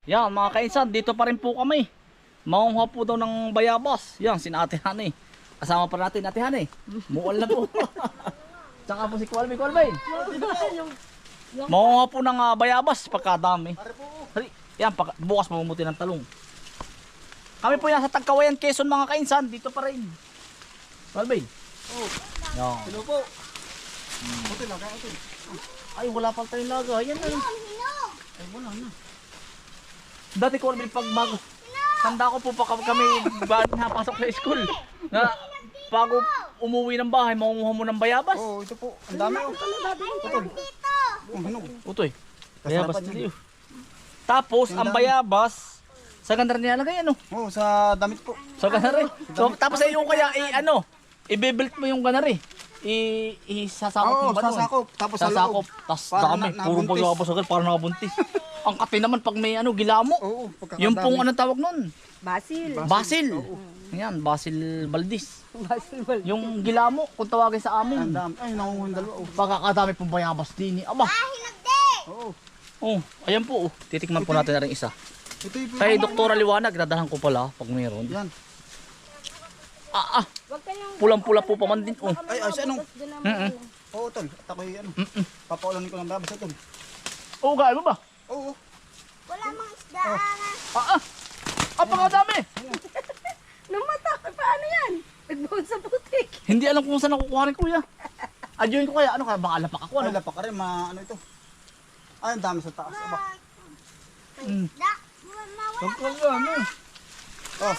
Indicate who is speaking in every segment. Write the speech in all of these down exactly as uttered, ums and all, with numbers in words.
Speaker 1: Yan mga kainsan, dito pa rin po kami. Mangunguha po daw ng bayabas. Yan, si Ate Hanay. Kasama pa natin Ate Hanay. Mual na po. Tsaka po si Kualbay, Kualbay. Mangunguha po ng uh, bayabas pagkadami. Hari, yan, pag, bukas mamumuti ng talong. Kami po yan sa Tagkawayan, Quezon mga kainsan. Dito pa rin. Kualbay.
Speaker 2: Oh.
Speaker 1: Yan.
Speaker 2: Hello po. Hmm. Hotel lang, kaya hotel.
Speaker 1: Ay, wala pang tayong laga. Yan na. Ay, wala na. Dati ko rin pag bago. Tanda ko po pa kami bago napasok sa school. Na bago umuwi ng bahay, mangunguha mo ng bayabas.
Speaker 2: Oo, oh, ito po. Ang dami oh. Utol. Ang hinog.
Speaker 1: Utoy. Bayabas dito. Tapos ang bayabas sa ganda rin nilalagay ano?
Speaker 2: Oo, oh, sa damit po.
Speaker 1: Sa ganda rin. So, tapos ay yung kaya i ano, i-build mo yung gana rin. I isasakop mo
Speaker 2: Oo,
Speaker 1: ba doon?
Speaker 2: sasakop. Tapos sa
Speaker 1: Sasakop.
Speaker 2: loob.
Speaker 1: Tapos
Speaker 2: Para
Speaker 1: dami.
Speaker 2: na-
Speaker 1: Puro
Speaker 2: nabuntis.
Speaker 1: bayabas agad para nakabuntis. Ang kati naman pag may ano, gilamo.
Speaker 2: Oo, pagkakadami.
Speaker 1: Yung pong ano tawag nun?
Speaker 3: Basil.
Speaker 1: Basil.
Speaker 2: Oo.
Speaker 1: Yan, Basil Valdez.
Speaker 3: Basil wal.
Speaker 1: Yung gilamo, kung tawagin sa
Speaker 2: Ang
Speaker 1: amin.
Speaker 2: dami. Ay, nakunguha yung dalawa. Oh.
Speaker 1: Pagkakadami pong bayabas din. eh. Aba.
Speaker 2: Oo.
Speaker 1: Oh, ayan po. Oh. Titikman po natin na rin isa.
Speaker 2: Ito yung
Speaker 1: Kay Doktora Liwanag, dadahan ko pala pag mayroon.
Speaker 2: Yan.
Speaker 1: Ah, ah.
Speaker 3: Wag kayong
Speaker 1: Pulang-pula po pa man din. Oh.
Speaker 2: Ay, ay, anong?
Speaker 1: Mm-mm.
Speaker 2: Oo, tol. At ako yung ano.
Speaker 1: Mm-mm.
Speaker 2: Papaulanin ko ng babas ito.
Speaker 1: Oh, kaya mo ba?
Speaker 2: Oo.
Speaker 4: Wala mang isda.
Speaker 1: Ah, ah. Ah, pagkadami.
Speaker 3: Nung mata, paano yan? Nagbuhod sa putik.
Speaker 1: Hindi alam kung saan nakukuha rin kuya. Adyoin ko kaya, ano kaya, baka lapak ako.
Speaker 2: Ay,
Speaker 1: Ano?
Speaker 2: lapak ka rin. Ma, ano ito? Ay, ang dami sa taas. Aba.
Speaker 1: Mm.
Speaker 4: Da, mawala
Speaker 1: Tungkol yan, eh.
Speaker 2: Oh.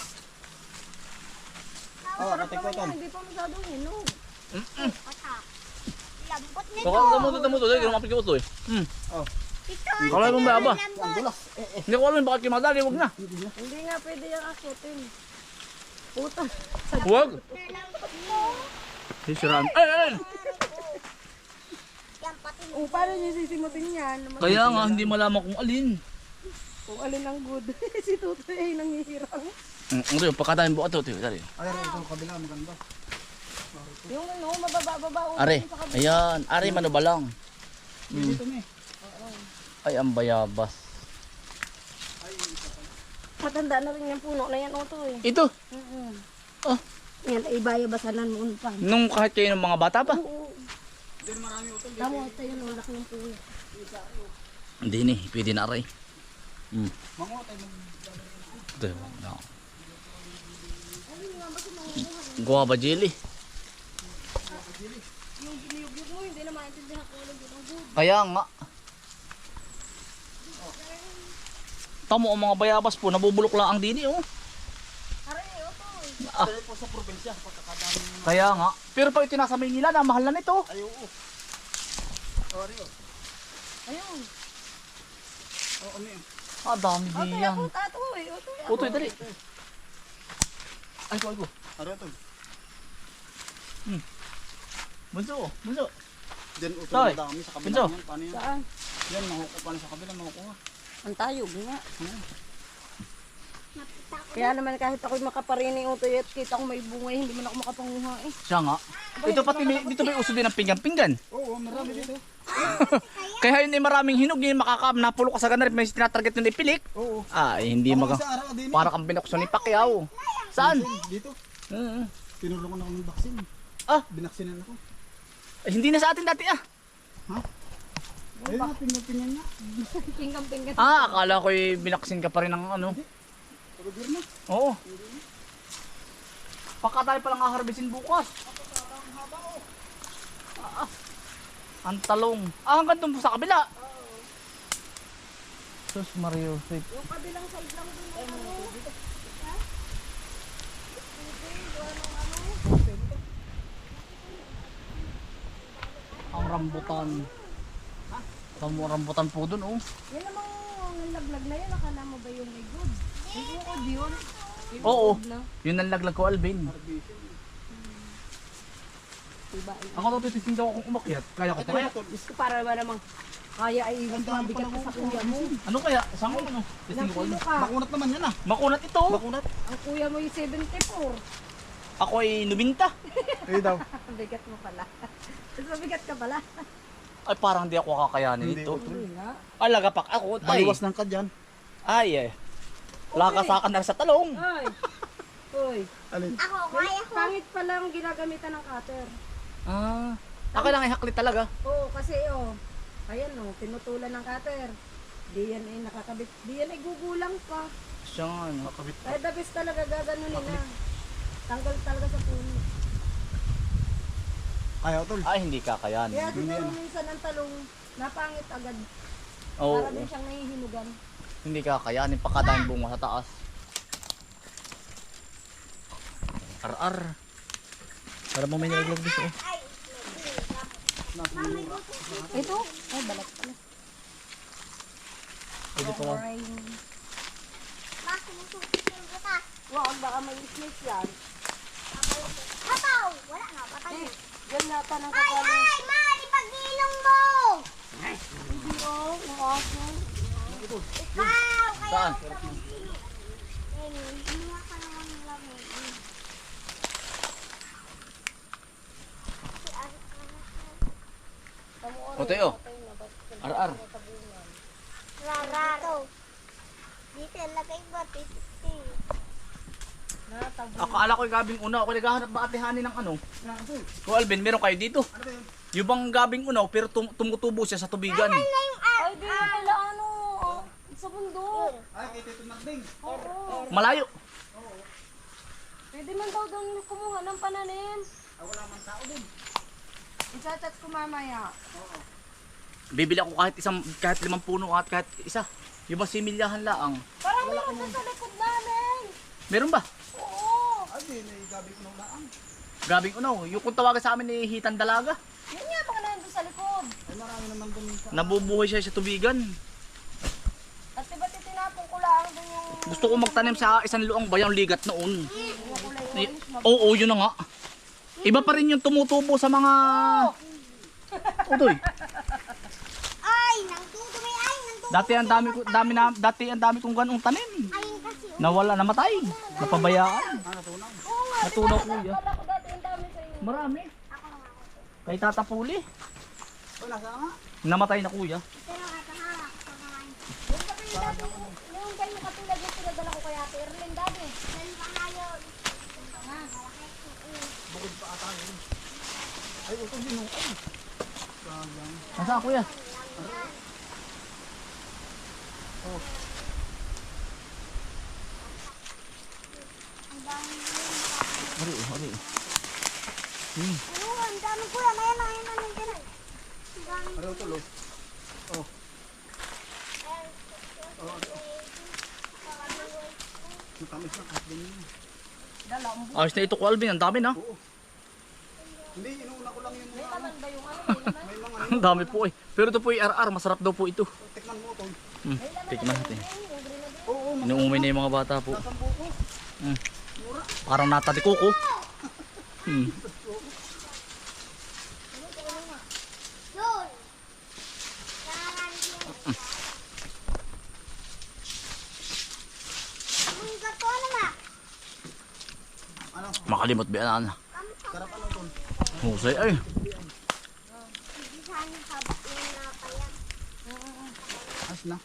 Speaker 2: Oh,
Speaker 3: Sarap
Speaker 2: katik ko
Speaker 3: naman
Speaker 2: ito.
Speaker 3: yan, hindi pa masyadong hinog.
Speaker 4: patak. Lambot nito.
Speaker 1: Baka damo to, damo to. Dahil lumapit ko ito eh. Hmm.
Speaker 2: Oh.
Speaker 4: Ito.
Speaker 1: Kalay mo ba, aba?
Speaker 2: Ang dulas. Eh, eh.
Speaker 1: Hindi ko alam bakit kimadali, wag na.
Speaker 3: Hindi nga pwede yung akutin. Puta.
Speaker 1: Wag.
Speaker 4: Lambot mo.
Speaker 1: Sisiraan. Ay, ay, ay.
Speaker 4: Yan pati mo.
Speaker 3: O, paano niyo sisimutin yan?
Speaker 1: Kaya nga, hindi malaman kung alin.
Speaker 3: Kung alin ang good. Si Tutoy ay nangihirang.
Speaker 1: Mm, ito yung pagkatayin buka ito. Ito, dali.
Speaker 2: Ay, ay, ito. Kabila. Maganda.
Speaker 3: Yung ano, mababa-baba.
Speaker 1: Are, ayan. Are, mano ba lang?
Speaker 2: Dito na eh.
Speaker 1: Ay, ang bayabas.
Speaker 3: Matanda na rin yung puno na yan, Otoy.
Speaker 1: Ito,
Speaker 3: Mm-mm.
Speaker 1: Oh.
Speaker 3: Yan, ay bayabasanan mo pa.
Speaker 1: nung kahit kayo ng mga bata pa.
Speaker 3: Oo. Tama, ito yun, ang laki ng puno.
Speaker 1: Hindi ni, pwede na aray. Mm.
Speaker 2: Manguha tayo mag...
Speaker 1: Ito, no. Guava jelly.
Speaker 3: Yung giniyog-yog mo, hindi na maintindihan ko lang yun ang good.
Speaker 1: Kaya nga. Tamo ang mga bayabas po, nabubulok lang ang dini oh.
Speaker 3: Aray, Otoy.
Speaker 1: Ah.
Speaker 2: Dahil po sa probinsya. Pagkakadami ng...
Speaker 1: Kaya nga. Pero pag ito nasa Maynila na, mahal na nito.
Speaker 2: Ay, oo. Sorry, oh.
Speaker 3: Ayun.
Speaker 2: Oo, ano yun?
Speaker 1: Ah, dami
Speaker 3: Otoy,
Speaker 1: diyan.
Speaker 3: ako tatoy. Otoy, ako.
Speaker 1: Utoy, dali. Ay ko, ay ko.
Speaker 2: Ano ito?
Speaker 1: Bunso, bunso.
Speaker 2: Diyan, ito.
Speaker 1: Tay.
Speaker 2: Madami sa kabila.
Speaker 1: Pinso.
Speaker 2: Yan, paano yan?
Speaker 3: Saan?
Speaker 2: Yan, makukuha. Paano sa kabila, makukuha.
Speaker 3: Ang tayog nga.
Speaker 4: Napita ko.
Speaker 3: Kaya naman kahit ako'y makaparini Otoy at kita ko may bunga, hindi man ako makapanguha eh.
Speaker 1: Siya nga. Ito pati may, dito may uso din ng pinggan-pinggan.
Speaker 2: Oo, marami dito.
Speaker 1: Kaya yun ay maraming hinog yun makakam. Napulok ka sa ganun. May tinatarget yun ipilik.
Speaker 2: Oo.
Speaker 1: Ay, hindi
Speaker 2: Ako
Speaker 1: maga.
Speaker 2: sa araw din.
Speaker 1: Para kang binuksan ni Pacquiao. Saan?
Speaker 2: Dito.
Speaker 1: Uh,
Speaker 2: Tinulong ko na ako ng vaccine.
Speaker 1: Ah.
Speaker 2: Binaksinan ako.
Speaker 1: ay, hindi na sa atin dati ah.
Speaker 2: Ayun na, pinapinyan niya.
Speaker 3: Pinggang-pinggan.
Speaker 1: Ah, akala ko'y binaksin ka pa rin ng ano.
Speaker 2: Pagod na.
Speaker 1: Oo. Baka tayo palang haharbisin bukas. Ah, ah. Ang talong. Ah, hanggang doon po sa kabila. Sus Mario. Sweet.
Speaker 3: Yung kabilang side lang dun ng ano.
Speaker 1: Ang rambutan. Ang rambutan po doon oh.
Speaker 3: Yan namang laglag na yan. Akala mo ba yung may good? Yung ukod yun. Yung
Speaker 1: Oo.
Speaker 3: ukod na.
Speaker 1: Yun ang laglag ko Alvin.
Speaker 3: Diba?
Speaker 1: Ako daw titising daw akong umakyat. Kaya ko pa kaya.
Speaker 3: Diyos ko para ba namang kaya ay mabigat ka sa kuya mo.
Speaker 1: Ano kaya? Saan ko ano? Tising ko
Speaker 3: Nakilo
Speaker 1: ano?
Speaker 3: ka.
Speaker 2: Makunat naman yan ah.
Speaker 1: Makunat ito.
Speaker 2: Makunat.
Speaker 3: Ang kuya mo yung seventy-four.
Speaker 1: Ako ay nubinta.
Speaker 2: Eh daw.
Speaker 3: Bigat mo pala. Mas mabigat ka pala.
Speaker 1: Ay parang di ako kakayanin
Speaker 2: Hindi,
Speaker 1: ito.
Speaker 2: utol.
Speaker 3: Hindi nga.
Speaker 1: Alagapak ako. Ay.
Speaker 2: Baliwas lang ka dyan.
Speaker 1: Ay eh. Lakasakan na sa talong.
Speaker 3: Ay. Uy.
Speaker 2: Alin?
Speaker 4: Ako, kaya ko.
Speaker 3: Pangit pa lang ginagamitan ng cutter.
Speaker 1: Ah. Ako lang ihaklit talaga.
Speaker 3: Oo, kasi oh. Ayan oh, pinutulan ng cutter. Di yan ay nakakabit. Di yan ay gugulang pa.
Speaker 1: Siya nga, ano.
Speaker 3: Kaya the best talaga gaganunin na. Tanggal talaga sa puno.
Speaker 2: Kaya tol.
Speaker 1: Ay, hindi kakayanin.
Speaker 3: Kaya siguro minsan ang talong napangit agad.
Speaker 1: Oo.
Speaker 3: Para din siyang nahihinugan.
Speaker 1: Hindi kakayanin. Pakadaming bunga sa taas. Ar-ar. Para mo may nilaglag dito. Oh.
Speaker 4: Ay,
Speaker 3: Ito? Ay, balat pala.
Speaker 1: Pwede pala.
Speaker 4: ma, sumusuti yung butas.
Speaker 3: Wag, baka may snake yan.
Speaker 4: Hapaw! Wala na, patay.
Speaker 3: Eh, yan nata ng
Speaker 4: Ay,
Speaker 3: kapalo.
Speaker 4: ay, ma, di pag-ilong mo!
Speaker 3: Hindi oh, ng aso.
Speaker 4: Ikaw, kaya
Speaker 1: Saan?
Speaker 4: ako sa mag-ilong. Eh, hindi ka naman ng lamig. Si Arik na.
Speaker 1: O Teo. Ar-ar.
Speaker 4: Rararo. Dito, lagay ba? Titi.
Speaker 1: Akala ko yung gabing una. Ako naghahanap ba atihanin ng ano? O Alvin, meron kayo dito. Yung bang gabing unaw pero tum tumutubo siya sa tubigan.
Speaker 4: Na yung ar.
Speaker 3: Ay, di pala ano. Sa bundok.
Speaker 2: Ay, kay Tito Nagding.
Speaker 3: Oo.
Speaker 1: Malayo.
Speaker 3: Pwede man daw doon kumuha ng pananim.
Speaker 2: Ah, wala man tao din.
Speaker 3: Isachat ko mamaya.
Speaker 1: Bibili ako kahit isang kahit limang puno at kahit isa. Yung ba similyahan laang.
Speaker 3: Parang meron doon sa likod namin.
Speaker 1: Meron ba?
Speaker 3: Oo.
Speaker 2: Ay, di, naigabi ko nung laang.
Speaker 1: Gabing unaw. Yung kung tawagan sa amin ni Hitan Dalaga.
Speaker 3: Yun nga, baka nandun sa likod.
Speaker 2: Ay, marami naman dun sa...
Speaker 1: Nabubuhay siya sa tubigan.
Speaker 3: At diba titinapong ko lang doon yung...
Speaker 1: Gusto ko magtanim sa isang luang bayang ligat noon.
Speaker 3: yung kulay
Speaker 1: Eh,
Speaker 3: orange. mab-
Speaker 1: Oo, yun na nga. Iba pa rin yung tumutubo sa mga... Utoy.
Speaker 4: Ay, nang tutumi. Ay, nang tutumi.
Speaker 1: Dati ang dami ko dami na dati ang dami kong ganung tanim.
Speaker 4: Ayun kasi.
Speaker 1: Nawala, namatay. Napabayaan.
Speaker 2: Ah, natunaw.
Speaker 3: Oo nga,
Speaker 1: Natunaw
Speaker 3: diba,
Speaker 1: kuya.
Speaker 3: Kala ko dati ang dami sa inyo.
Speaker 1: Marami.
Speaker 4: Ako nga ako.
Speaker 1: Kay Tata Puli.
Speaker 2: Ay, nasa nga.
Speaker 1: Namatay na kuya.
Speaker 4: Pero nga, tahawak ko naman.
Speaker 3: Yung kasi dati, yung kayo katulad yung pinadala ko kay Ate Erlyn dati.
Speaker 4: Dahil pa nga yun.
Speaker 3: Nga.
Speaker 2: Bukod pa ata yun. Ay, ito din yung... Ay. Sayang.
Speaker 1: Nasaan kuya?
Speaker 4: Ang dami yun.
Speaker 1: Ari, ari.
Speaker 4: Oo, ang dami ko yan. Ayan, ayan, ayan, ayan. Ang dami.
Speaker 2: Ano ito, lo? Oh. Matamis na kahit ganyan.
Speaker 3: Dala, ang
Speaker 1: Ayos na ito ko Alvin, ang dami na.
Speaker 2: Oo. Hindi, inuuna ko lang yung mga...
Speaker 3: naman ba yung ano, may naman.
Speaker 2: May mga...
Speaker 1: Ang dami po eh. Pero ito po ay ar-ar, masarap daw po ito.
Speaker 2: Tikman mo ito.
Speaker 1: Hmm. Tikman natin.
Speaker 2: Oo,
Speaker 1: Inuumay na yung mga bata po.
Speaker 2: masambo ko.
Speaker 1: Hmm. Parang natatikuko. Hmm.
Speaker 4: Yun. Nakaraan yun. Ang gato naman.
Speaker 2: Ano?
Speaker 1: Makalimot ba yan?
Speaker 2: Sarap ano ito?
Speaker 1: Husay ay.
Speaker 4: Hindi sana habak yung napaya.
Speaker 2: As na.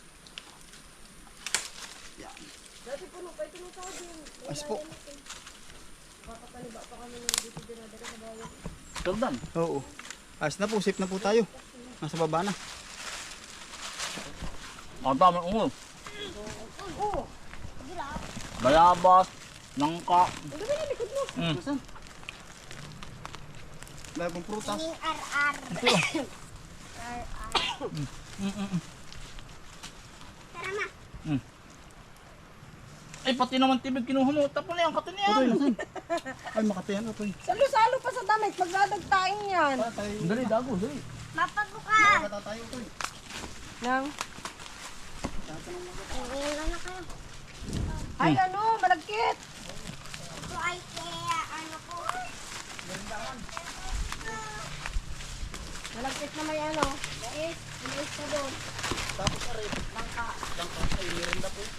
Speaker 3: Dati puno pa ito ng sabi.
Speaker 2: As po.
Speaker 3: Papapaliba pa kami ng dito dinadala sa bayan.
Speaker 1: Jordan.
Speaker 2: Oo. As na po, safe na po tayo. Nasa baba na.
Speaker 1: Ang dami ungo.
Speaker 3: Oo.
Speaker 1: Bayabas. Nangka.
Speaker 3: Ang dami na likod mo.
Speaker 1: Hmm.
Speaker 2: Nasaan? Dahil pong prutas.
Speaker 4: Yung ar-ar. Ar-ar.
Speaker 1: Mm, mm, mm.
Speaker 4: Tara ma.
Speaker 1: Ay, pati naman tibig kinuha mo. Tapos na yan, kato na
Speaker 2: Utoy,
Speaker 1: yan.
Speaker 2: nasaan? Ay, makatayan, Utoy.
Speaker 3: Salo-salo pa sa damit. Magdadagtain yan.
Speaker 2: Patay.
Speaker 1: Dali, dago, dali.
Speaker 4: Mapabuka.
Speaker 2: Makata tayo, Utoy.
Speaker 3: Nang?
Speaker 4: Iilan na kayo.
Speaker 3: Ay ano, malagkit.
Speaker 4: Ito ay kaya ano po.
Speaker 3: Malagkit na may ano. Mais. Mais na doon.
Speaker 2: Tapos na rin. Langka. Langka. Ay, mirinda po.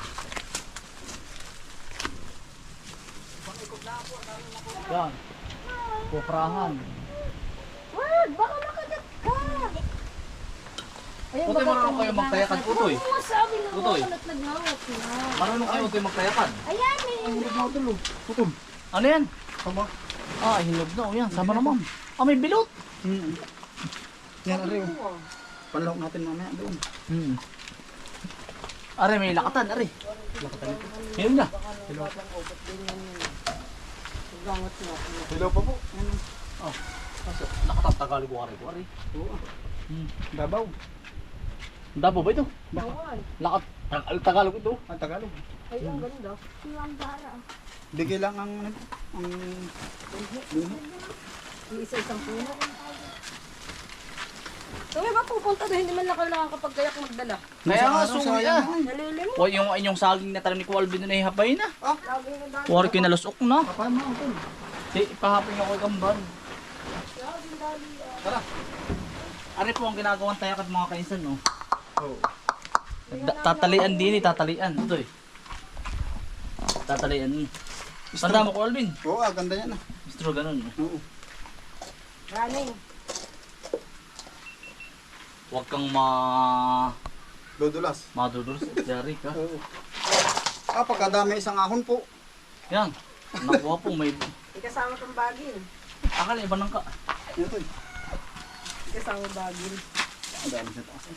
Speaker 1: Yan. Kuprahan.
Speaker 3: Wag, baka makagat ka. Ayun,
Speaker 1: Utoy,
Speaker 3: baka
Speaker 1: marunong kayo magtayakan, Utoy.
Speaker 4: Ano sabi na
Speaker 1: Utoy.
Speaker 4: ako nagnawat na.
Speaker 1: Marunong kayo Utoy magtayakan.
Speaker 4: Ayan eh.
Speaker 2: Ang hirap na utol oh. Utol.
Speaker 1: Ano yan?
Speaker 2: Sama.
Speaker 1: Ah, hinog na. O yan, sama naman. Ah, may bilot.
Speaker 2: Hmm. Yan, ari oh. Panlawak natin mamaya doon.
Speaker 1: Hmm. Are, may lakatan, are.
Speaker 2: Lakatan ito.
Speaker 1: Hinog na.
Speaker 3: Gangot na.
Speaker 2: Hello pa po. Ano?
Speaker 1: Oh. Kaso, lakatan, Tagalog, are, are.
Speaker 2: Oo.
Speaker 1: Hmm.
Speaker 2: Dabaw.
Speaker 1: Dabo ba ito?
Speaker 3: Bawal.
Speaker 1: Lakat, Tag- Tagalog ito.
Speaker 2: Ang Tagalog.
Speaker 3: Ay, ang ganda.
Speaker 4: Silang bara.
Speaker 2: Bigay lang ang ang
Speaker 3: Isa-isang puno. So, may ba pupunta doon? Hindi man lang kayo nakakapagkayak magdala.
Speaker 1: Kaya nga,
Speaker 2: Sa araw,
Speaker 1: suwi
Speaker 2: sayang
Speaker 1: ah.
Speaker 2: na eh.
Speaker 3: Nalilim.
Speaker 1: O yung inyong saging na tanim ni Kualvin na ihapay na.
Speaker 3: Lagi na dali.
Speaker 1: Kuwari ko yung nalusok na.
Speaker 2: Kapal mo utol.
Speaker 1: Di, ipahapin ako kay Gamban. Tara. Ari po ang ginagawang tayak at mga kainsan, no?
Speaker 2: Oo.
Speaker 1: Da- tatalian din eh, tatalian. Ito eh. Tatalian. Tanda mo, Kualvin.
Speaker 2: Oo, ah, ganda yan ah.
Speaker 1: Mistro, ganun.
Speaker 2: Oo.
Speaker 3: Running.
Speaker 1: Huwag kang ma...
Speaker 2: Dodulas.
Speaker 1: madudulas. Dari ka.
Speaker 2: Oo. Ah, pagkadami isang ahon po.
Speaker 1: Yan. Nakuha po, may...
Speaker 3: Ikasama kang bagil.
Speaker 1: Akala, iba nang ka.
Speaker 2: Ito eh.
Speaker 3: Ikasama bagil.
Speaker 2: Ang dami sa taas eh.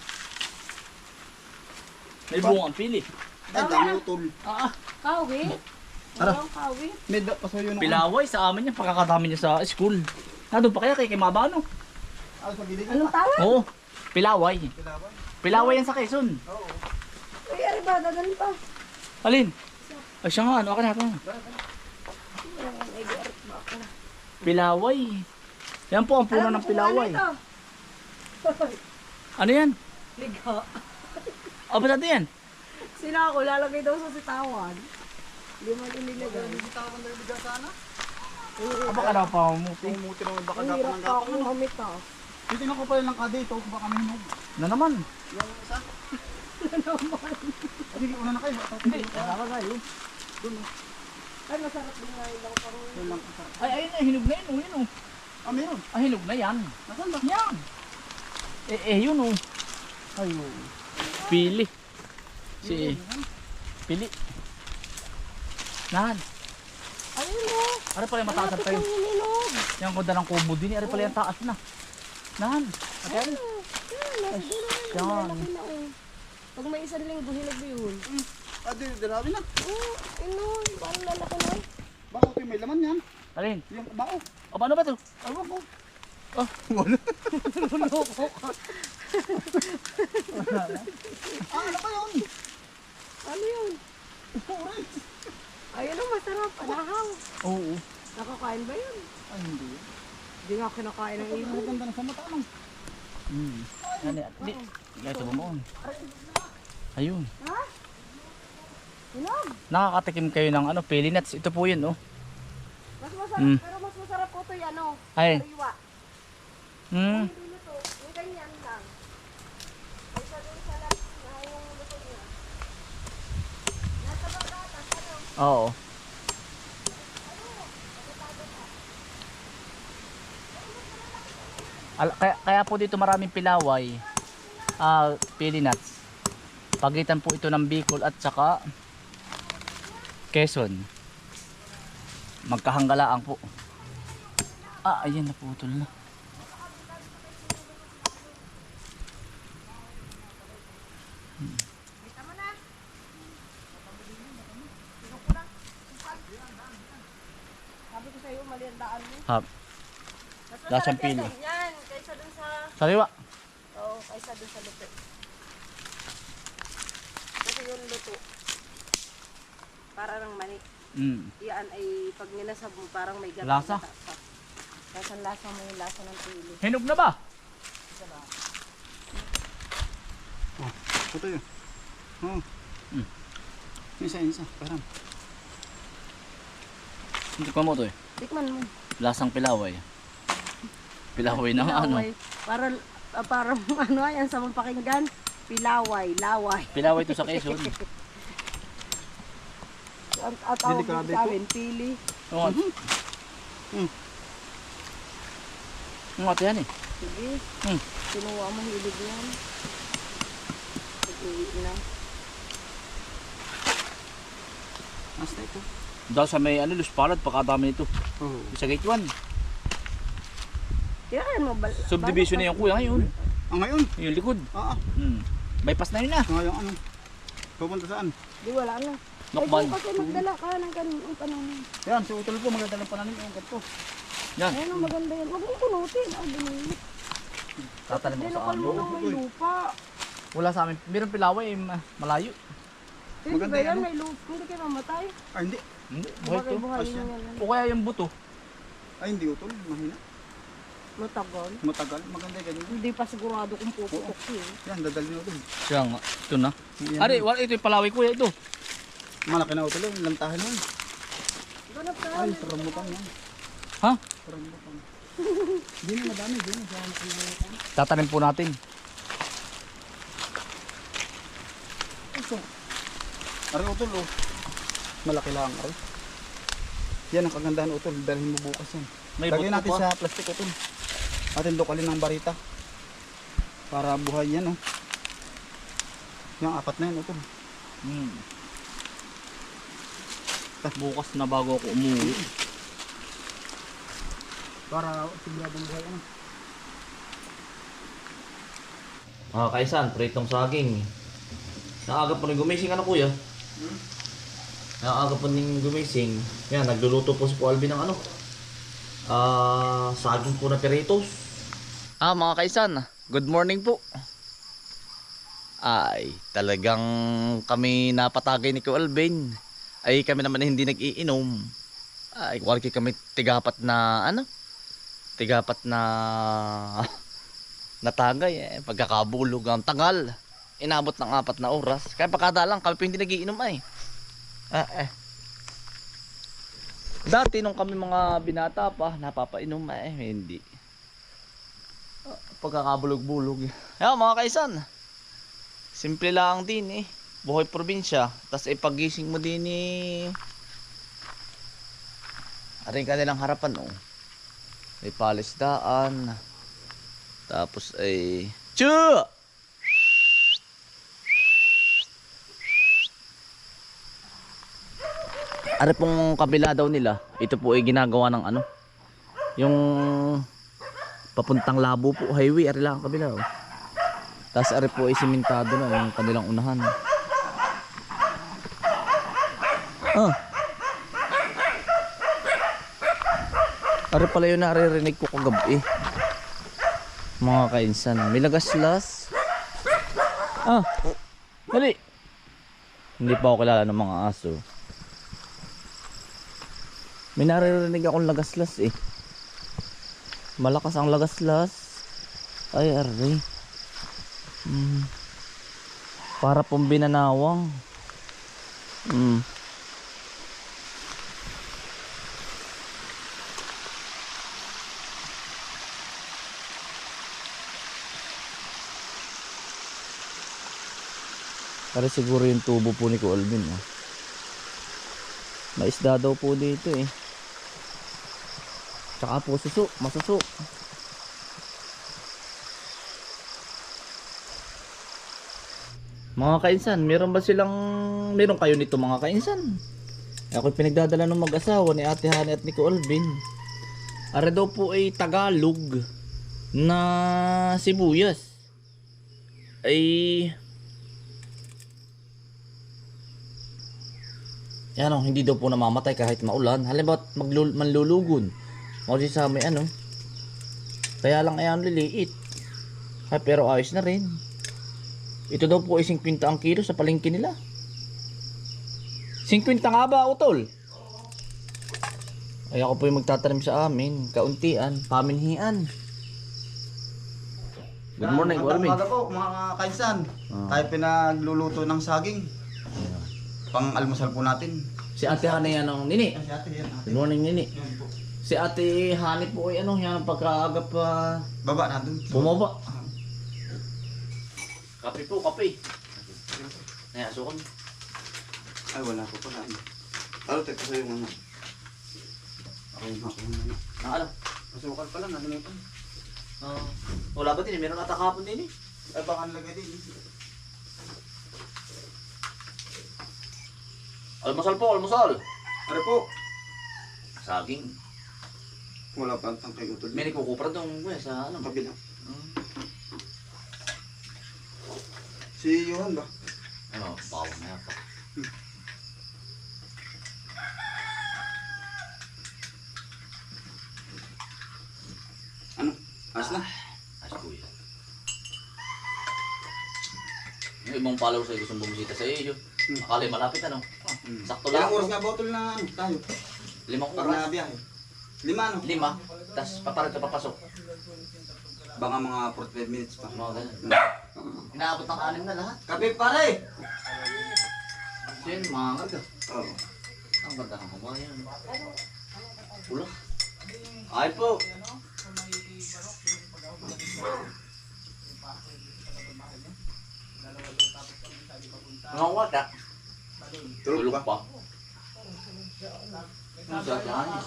Speaker 1: May bunga ang pili.
Speaker 2: Ay, dami utol.
Speaker 1: Ah, ah.
Speaker 3: Kawi?
Speaker 2: Tara.
Speaker 3: Walang kawi.
Speaker 2: May da, pasuyo nung
Speaker 1: Pilaway sa amin yan. Pagkakadami niya sa school. Nandun pa kaya kay Kimabano?
Speaker 2: Ah, sa gilid
Speaker 3: Anong
Speaker 2: pa.
Speaker 3: tawag?
Speaker 1: Oo. Pilaway.
Speaker 2: Kilaban.
Speaker 1: Pilaway yan sa Quezon.
Speaker 2: Oo.
Speaker 3: Ay, ari ba? Dadalhin pa.
Speaker 1: Alin? Ay siya nga, ano ka na pa?
Speaker 3: Ay, di ari ba ako?
Speaker 1: Pilaway. Yan po ang puno ng pilaway.
Speaker 3: Ano ito?
Speaker 1: Ano yan?
Speaker 3: Liga.
Speaker 1: O, ba't natin yan?
Speaker 3: Sila ako, lalagay daw sa sitawan. Hindi mo inilagay.
Speaker 2: Bitawan na bigas sana.
Speaker 1: Aba ka na pa mo.
Speaker 2: Pumuti naman baka
Speaker 3: Ang
Speaker 2: dapat
Speaker 3: hirap
Speaker 2: ng
Speaker 3: pa ako
Speaker 2: gapang.
Speaker 3: humita.
Speaker 2: Titingnan ko pala lang ka dito, baka may hinog.
Speaker 1: Na naman.
Speaker 2: Yung isa. Hindi, una na kayo.
Speaker 1: Hindi. Wala ka tayo.
Speaker 2: Doon oh.
Speaker 3: Ay, masarap din nga yung parang.
Speaker 2: Doon lang isa.
Speaker 1: Ay, ayun na. Hinog na yun. Oh, yun oh.
Speaker 2: Ah, meron.
Speaker 1: Ah, hinog na yan.
Speaker 2: Nasaan ba?
Speaker 1: Yan. Eh, eh, yun oh. Ayun. Pili. Si Pili. Nahan.
Speaker 4: Ano mo?
Speaker 1: Ari pala yung mataasan tayo.
Speaker 4: Ang hininog.
Speaker 1: Yung kuda ng kubo din. Ari pala yung taas na. Nahan. Ate, ari. Yan.
Speaker 3: Malaki na oh. Pag may isang linggo, hinog yun.
Speaker 2: Ah, di, darabi na.
Speaker 4: Oh, ino. Parang lalaki na.
Speaker 2: Baka ito yung may laman yan.
Speaker 1: Alin?
Speaker 2: Yung bao.
Speaker 1: O, paano ba ito?
Speaker 2: Ewan ko.
Speaker 1: Oh.
Speaker 2: Wala. Ah, ano ba yun?
Speaker 3: Ano yun? Ayun ang masarap. Anahaw.
Speaker 1: Oo.
Speaker 3: Nakakain ba yun?
Speaker 2: Ay, hindi.
Speaker 3: Hindi nga kinakain ng
Speaker 2: Ang
Speaker 3: ibon.
Speaker 2: ganda na sa mata ano?
Speaker 1: Hmm. Ano yan? Di. Ito ba mo? Ayun.
Speaker 4: Hinog.
Speaker 1: Nakakatikim kayo ng ano, pili nuts. Ito po yun, oh.
Speaker 3: Mas masarap,
Speaker 1: Mm.
Speaker 3: pero mas masarap po ito yan, ano?
Speaker 1: Ay.
Speaker 3: Sariwa.
Speaker 1: Hmm.
Speaker 3: Hindi luto. Yung ganyan lang. Kaysa dun sa lang na yung luto niya. Nasa bagatas, ano?
Speaker 1: Oo. Al- kaya, kaya po dito maraming pilaway. Ah, pili nuts. Pagitan po ito ng Bicol at saka Quezon. Magkahanggalaan po. Ah, ayan, naputol na.
Speaker 3: Sabi ko sa'yo, mali ang daan mo.
Speaker 1: Ha,
Speaker 3: Mas
Speaker 1: Lasang
Speaker 3: masarap yan
Speaker 1: pili.
Speaker 3: ganyan. Kaysa dun sa...
Speaker 1: sariwa.
Speaker 3: Oo, kaysa dun sa luto. Kasi yung luto, para ng mani.
Speaker 1: Mm.
Speaker 3: Yan ay pag nilasab mo, parang may gata.
Speaker 1: Lasa?
Speaker 3: Lasa lasa mo yung lasa ng pili.
Speaker 1: Hinog na ba?
Speaker 2: Ito yun. Oo.
Speaker 1: Mm.
Speaker 2: Isa, isa. Parang.
Speaker 1: Hindi ko mo to eh.
Speaker 3: Tikman mo.
Speaker 1: Lasang pilaway. Pilaway na ano.
Speaker 3: Pilaway. Para, ah, para ano yan sa mga pakinggan. Pilaway, laway.
Speaker 1: Pilaway to sa Quezon.
Speaker 3: At, at tawag
Speaker 2: Delikado
Speaker 3: dito sa amin, pili.
Speaker 1: Oo.
Speaker 2: Mm.
Speaker 1: Ang ate yan eh.
Speaker 3: Sige.
Speaker 1: Hmm.
Speaker 3: Kinuha mo hilig yan. Uwi na.
Speaker 2: Mas na ito.
Speaker 1: Dahil sa may ano, Luspalad, pakadami nito.
Speaker 2: Oo.
Speaker 1: Sa gate one.
Speaker 3: Kailangan mo bal...
Speaker 1: Subdivision na yung kuya ngayon.
Speaker 2: Ang ngayon?
Speaker 1: Yung likod.
Speaker 2: Oo.
Speaker 1: Hmm. Bypass na yun ah.
Speaker 2: Ngayon ano? Pupunta saan?
Speaker 3: Di wala na.
Speaker 1: Nokban.
Speaker 3: Ay, kasi magdala ka ng ganun pananim.
Speaker 2: Yan, si Utol po, magdadala pa namin yung ganito.
Speaker 1: Yan.
Speaker 3: Ayun ang maganda yan. Huwag mo kunutin. Ang binili.
Speaker 1: Tatanim ko sa
Speaker 3: Dinukal mo
Speaker 1: ano.
Speaker 3: ng may lupa.
Speaker 1: Wala sa amin. Meron pilaway, eh, ma- malayo.
Speaker 3: Hindi
Speaker 2: Maganda
Speaker 3: ba yan?
Speaker 2: yan, no?
Speaker 3: May lupa. Hindi kayo mamatay.
Speaker 2: Ay, hindi.
Speaker 1: Hindi, buhay
Speaker 3: Bakit
Speaker 1: to.
Speaker 3: buhayin mo yan?
Speaker 1: O kaya yung buto.
Speaker 2: Ay, hindi Utol. Mahina.
Speaker 3: Matagal.
Speaker 2: Matagal. Maganda ganito.
Speaker 3: Hindi pa sigurado kung puputok siya.
Speaker 2: Yan, dadalhin Utol.
Speaker 1: Siya nga. Ito na.
Speaker 2: Yan.
Speaker 1: Ari, wala ito yung palaway kuya ito.
Speaker 2: Malaki na Utol. Yung lantahan mo.
Speaker 3: Ganap ka.
Speaker 2: Ay, rambutan yan.
Speaker 1: Ha?
Speaker 2: Rambutan. Hindi na madami. Hindi na. Diyan na.
Speaker 1: Tatanim po natin.
Speaker 2: Ito. Ari Utol, oh. Malaki lang, Ari. Yan ang kagandahan Utol. Dalhin mo bukas yan.
Speaker 1: May
Speaker 2: Lagyan
Speaker 1: buto
Speaker 2: natin
Speaker 1: pa.
Speaker 2: sa plastic Utol. Atin lokalin ng barita. Para buhay yan, oh. Yung apat na yan Utol.
Speaker 1: Hmm. Bukas na bago ako umuwi.
Speaker 2: Para siguradong buhay, ano.
Speaker 1: Ah, kaisan, pritong saging. Naaga po rin gumising ano kuya?
Speaker 2: Hmm?
Speaker 1: Naaga po rin gumising. Yan, nagluluto po si po Alvin ng ano? Ah, saging po na peritos. Ah, mga kaisan, good morning po. Ay, talagang kami napatagay ni Kuya Alvin. Ay, kami naman hindi nag-iinom. Ay, walki kami tigapat na ano? Tigapat na natagay eh. Pagkakabulog ang tagal. Inabot ng apat na oras. Kaya pagkada lang kami hindi nagiinom ay. Ah, eh. Dati nung kami mga binata pa, napapainom eh. Hindi. Ah, pagkakabulog-bulog. Kaya mga kaisan. Simple lang din eh. Buhay probinsya. Tapos ipagising mo din eh. Aring kanilang harapan oh. May palisdaan. Tapos ay Chu! Ari pong kabila daw nila. Ito po ay ginagawa ng ano. Yung papuntang Labo po highway. Ari lang ang kabila oh. Tapos ari po ay simentado na yung kanilang unahan. Ah. Ari pala yun naririnig ko kagabi. Mga kainsan. May lagaslas. Ah. Dali. Hindi pa ako kilala ng mga aso. May naririnig akong lagaslas eh. Malakas ang lagaslas. Ay ari. Hmm. Para pong binanawang. Hmm. Para siguro yung tubo po ni Kuya Alvin oh. May isda daw po dito eh. Tsaka po suso, masuso. Mga kainsan, meron ba silang meron kayo nito mga kainsan? Ako pinagdadala ng mag-asawa ni Ate Hani at ni Kuya Alvin. Are daw po ay Tagalog na sibuyas. Ay yan o, hindi daw po namamatay kahit maulan. Halimbawa manlulugon. Maulit sa may ano. Kaya lang ayan liliit. Ay, pero ayos na rin. Ito daw po ay fifty ang kilo sa palengke nila. fifty nga ba, utol? Ay ako po yung magtatanim sa amin. Kauntian, paminhian. Good morning, Kuya Alvin.
Speaker 2: Magandang umaga po mga kainsan.
Speaker 1: Ah.
Speaker 2: Tayo pinagluluto ng saging. Pang almusal po natin.
Speaker 1: Si Ate Hani yan ang nini.
Speaker 2: Ay, si ate yan. Ate.
Speaker 1: Good morning, nini.
Speaker 2: Yan po.
Speaker 1: Si Ate Hani po ay ano, yan ang pagkaagap pa
Speaker 2: Baba na dun.
Speaker 1: bumaba. Kape po, kape. Ay, asukon.
Speaker 2: Ay, wala po pala. Ano, teka sa yung ano. Ako yung ako yung ano.
Speaker 1: Nakala.
Speaker 2: Masukal pala, nalimutan.
Speaker 1: Uh, wala ba din? Meron ata kapon din eh.
Speaker 2: Ay, baka nalagay din.
Speaker 1: Almusal po, almusal.
Speaker 2: Ano po?
Speaker 1: Saging.
Speaker 2: Wala pa ang tangkay utol.
Speaker 1: May nagkukupra doon kuya sa ano.
Speaker 2: Kabila.
Speaker 1: Hmm.
Speaker 2: Si Johan ba?
Speaker 1: Ano, bawang na yata.
Speaker 2: Ano? As na?
Speaker 1: As kuya. Yung ibang followers ay gustong bumisita sa iyo.
Speaker 2: Hmm.
Speaker 1: Akala malapit ano. Ah,
Speaker 2: Hmm.
Speaker 1: sakto lang.
Speaker 2: Ilang oras nga ba utol na ano tayo?
Speaker 1: Limang
Speaker 2: Para
Speaker 1: oras.
Speaker 2: na biyahe. Lima ano?
Speaker 1: Lima. Tapos papalit ka papasok.
Speaker 2: Baka mga forty-five minutes pa.
Speaker 1: Mga ganun.
Speaker 2: Hmm.
Speaker 1: Inaabot ng anim na lahat.
Speaker 2: Kape pare!
Speaker 1: So yun, mga karga.
Speaker 2: Oo.
Speaker 1: Ang ganda ng kumayan. Pula. Ay po. Mga wata.
Speaker 2: Tulog
Speaker 1: Tulog
Speaker 2: pa.
Speaker 1: pa. Ang sasyahan niya.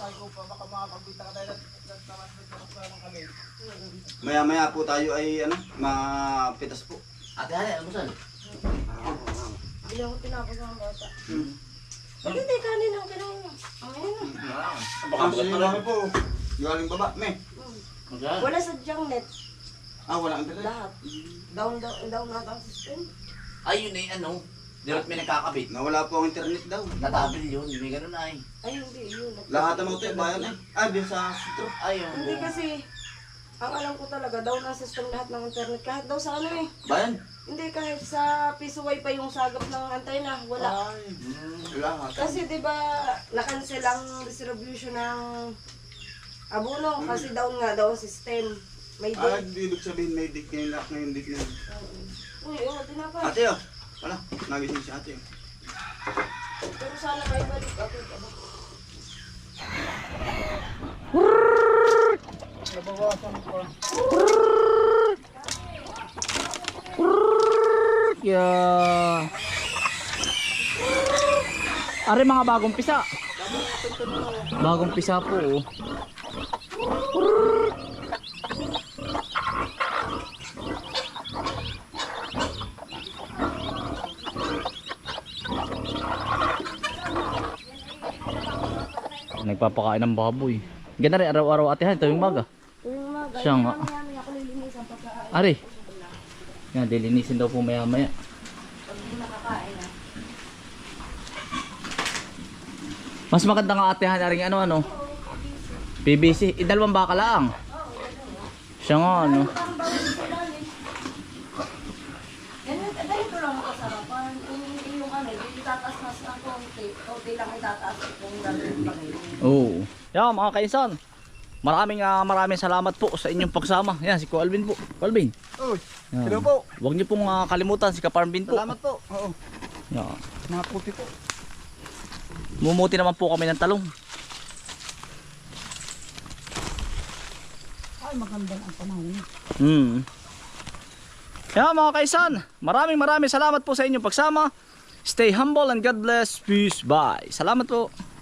Speaker 2: Maya maya po tayo ay ano, mapitas po.
Speaker 1: Ate Hane, ano saan?
Speaker 3: Hindi ako tinapos ng bata.
Speaker 2: Hmm.
Speaker 3: Bakit hindi kanin ang kinain mo? Ang ayun na.
Speaker 1: Baka
Speaker 2: Ang
Speaker 1: bagat na
Speaker 2: sinilami
Speaker 1: rin.
Speaker 2: po. Galing baba, me.
Speaker 1: Ang saan?
Speaker 3: Wala sa junk net.
Speaker 2: Ah, wala ang dala.
Speaker 3: Lahat. Down, down, down na ang system.
Speaker 1: Ay, yun eh, ano? Direct may nakakabit.
Speaker 2: Nawala po ang internet daw.
Speaker 1: Natabil yun, may ganun ay.
Speaker 3: Ay, hindi. Yun.
Speaker 2: Lahat ng mga bayan eh. Ah, din sa sitro.
Speaker 1: Ay, yung
Speaker 3: Hindi kasi, ang alam ko talaga, down ang system lahat ng internet. Kahit daw sa ano eh.
Speaker 1: bayan.
Speaker 3: Hindi, kahit sa piso wifi yung sagap ng antena. Wala.
Speaker 2: Ay,
Speaker 1: Hmm.
Speaker 2: lahat.
Speaker 3: Kasi di ba na-cancel ang distribution ng abono kasi down nga daw ang system. May
Speaker 2: Ah,
Speaker 3: day.
Speaker 2: di ibig sabihin may dik ngayon lahat ngayon dik ngayon.
Speaker 3: Uy, oh, tinapay.
Speaker 2: Ate oh. Wala, nagising si ate.
Speaker 3: Pero sana kayo balik. Okay, kabak.
Speaker 1: Yeah. Are mga bagong pisa. Bagong pisa po. Oh. Nagpapakain ng baboy. Ganda rin araw-araw atihan tuwing maga.
Speaker 3: Yung mga
Speaker 1: Siya nga.
Speaker 3: ganyan, ako lilinisan pagkain.
Speaker 1: Ari. Yan, dilinisin daw po maya-maya.
Speaker 3: Pag hindi nakakain ah.
Speaker 1: Mas maganda nga atihan na rin ano ano. P V C. Idalawang baka lang. Siya nga ano.
Speaker 3: Parang bawal sila eh. Ganun, eh, ganito lang ako sarapan. Yung, yung ano, yung itataas na sa konti. Konti lang itataas kung gagawin pa ngayon.
Speaker 1: Oo. Yan mga kainsan. Maraming ah, maraming salamat po sa inyong pagsama. Yan si Ko Alvin po. Ko Alvin.
Speaker 2: Uy,
Speaker 1: Yan.
Speaker 2: hello po.
Speaker 1: Huwag niyo pong ah, kalimutan si Kaparmbin po.
Speaker 2: Salamat po. Oo,
Speaker 1: Yan.
Speaker 2: mga puti po.
Speaker 1: Mumuti naman po kami ng talong.
Speaker 3: Ay, magandang ang panahon.
Speaker 1: Hmm. Yan mga kaisan. Maraming maraming salamat po sa inyong pagsama. Stay humble and God bless. Peace. Bye. Salamat po.